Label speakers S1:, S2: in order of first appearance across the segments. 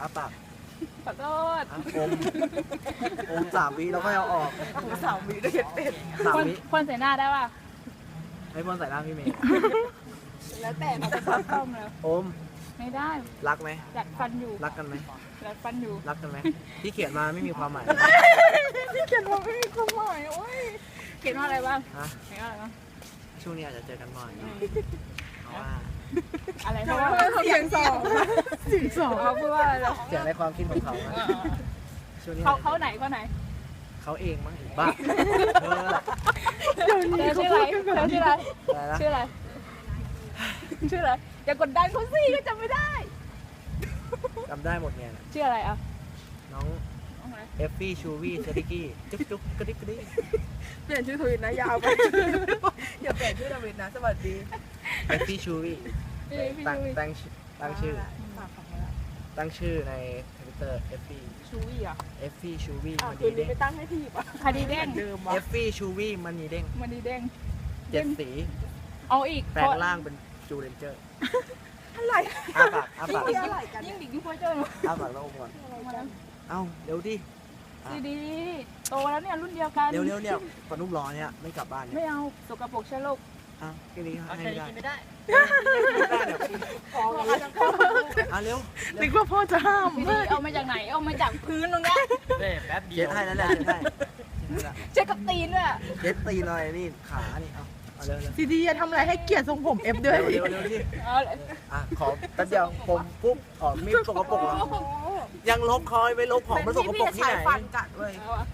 S1: อ้าปาก
S2: ขอโทษ
S1: อม3 วิแล้วก็เอาออก
S3: 3 วิได้เห็นเป็ด
S2: พ่น
S1: 3 วิ
S2: พ่นใส่หน้าได้ป่ะ
S1: ให้พ่นใส่หน้าพี่เมย์
S3: แล้วแต่
S2: เราจะซับต้มแล้ว
S1: อม
S2: ไม่ได้
S1: รักไหม
S2: อยากฟันอยู่
S1: รักกันไหม
S2: อยากฟันอยู่
S1: รักกันไหมที่เขียนมาไม่มีความหมาย
S3: ที่เขียนว่าไม่มีความหมายโอ้ย
S2: เขียนว่าอะไรบ้าง
S1: ฮะ
S2: เขียนว่าอะไรบ้าง
S1: ช่วงนี้อาจจะเจอกันบ่อยเพราะว่า
S2: อะไรเพราะว่า
S3: เสียง2
S2: เขาพูดว่าอะไรเหรอ
S1: เสียงในความคิดของเขานะช่วงนี้
S2: เขาไหนเขาไหน
S1: เขาเองมั้งอีกบ้าเออ
S2: เธอชื่ออะไรเธอชื่ออะไร
S1: อะไรนะ
S2: ชื่ออะไรชื่ออะไรอย่ากดดันเขาสิก็จำไม่ได้
S1: จำได้หมดเนี่ย
S2: ชื่ออะไรอ่ะ
S1: น้องเอฟฟี่ชูวี่เซริกี้จุ๊กจุ๊กกระดิกกระดิก
S3: เปลี่ยนชื่อทวิตนะยาวไปอย่าเปลี่ยนชื่อทวิตนะสวัสดี
S1: เอฟฟี่ชูวี่
S2: พี่
S1: ตั้งชื่อตั้งชื่อในทวิตเตอร์เอฟฟี่
S3: ชูวี่อ่ะ
S1: เอฟฟี่ชูวี่มัน
S3: คื
S1: ดี
S3: นนี้
S1: เด้ง
S3: ไปตั้งให้พี่ป่ะ
S2: คดีเด้ง
S3: เดิม
S1: เอ
S3: วะ
S1: ฟฟี่ชูวี่มันดีเด้ง
S2: มันดีเด้ง
S1: 7 สี
S2: เอาอีก
S1: แปลงร่างเป็นจูเรนเจอร์
S3: อะไร
S1: อ้าปากอ้าปาก
S3: อะไรกัน
S2: ยิ่งดิยิ่งพ่อเจ้า
S1: อ้าปากแล้วอมก่อนเอ้าเร็วดิ
S2: ดีดีโตแล้วเนี่ยรุ่นเดียวกัน
S1: เร็วเนี่ยปนุ่มร้อนเนี่ยไม่กลับบ้านเนี่ย
S2: ไม่เอาสกปรกเชื้อโรค
S1: อ้าวแค่นี้ให้ไม่ได้
S4: ไม่ได้
S3: พอกันแล้ว
S1: อ่ะเร็ว
S3: นึกว่าพ่อจะห้าม
S2: ดีดีเอามาจากไหนเอามาจากพื้นตรงเนี้ย
S4: แป๊บเดี
S1: เช็
S4: ย
S1: ด
S4: ว
S1: ให้แล้วแหละเช็ดให้
S2: เช็คกับตีนด้วย
S1: เช็ดตีหน่อยนี่ขานี่เอาเร็ว
S3: ซีดีจะทำอะไรให้เกียรติทรงผมเอฟด้วย
S1: เร็วที่
S2: เอาเลย
S1: อ่ะขอแป๊บเดียวผมปุ๊บอ๋อมีดสกปรกเหรอยังลบคอยไปลบของมันสกปรกที่ไหน
S3: ฟันกัดเว้ย
S2: เอาอะ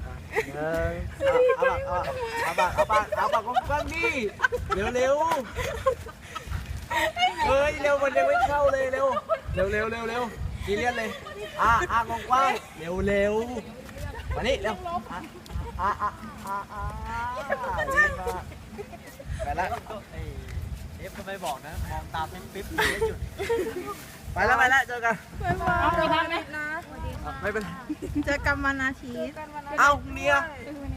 S1: เอาปากกว้างๆดิเร็วเฮ้ยเร็วมันยังไม่เข้าเลยเร็วกีเลียนเลยกว้างๆเร็วมานี่เร็วไปละ
S4: เอฟก็ไม่บอกนะ มองตามเป็นปิ๊บไม่หยุด
S1: ไปแล้วเจอกัน
S2: เอาไปทางไหม
S1: ไม่เป็น
S3: เจอกันวันอาทิตย์
S1: เอ้าเมีย
S2: ไม่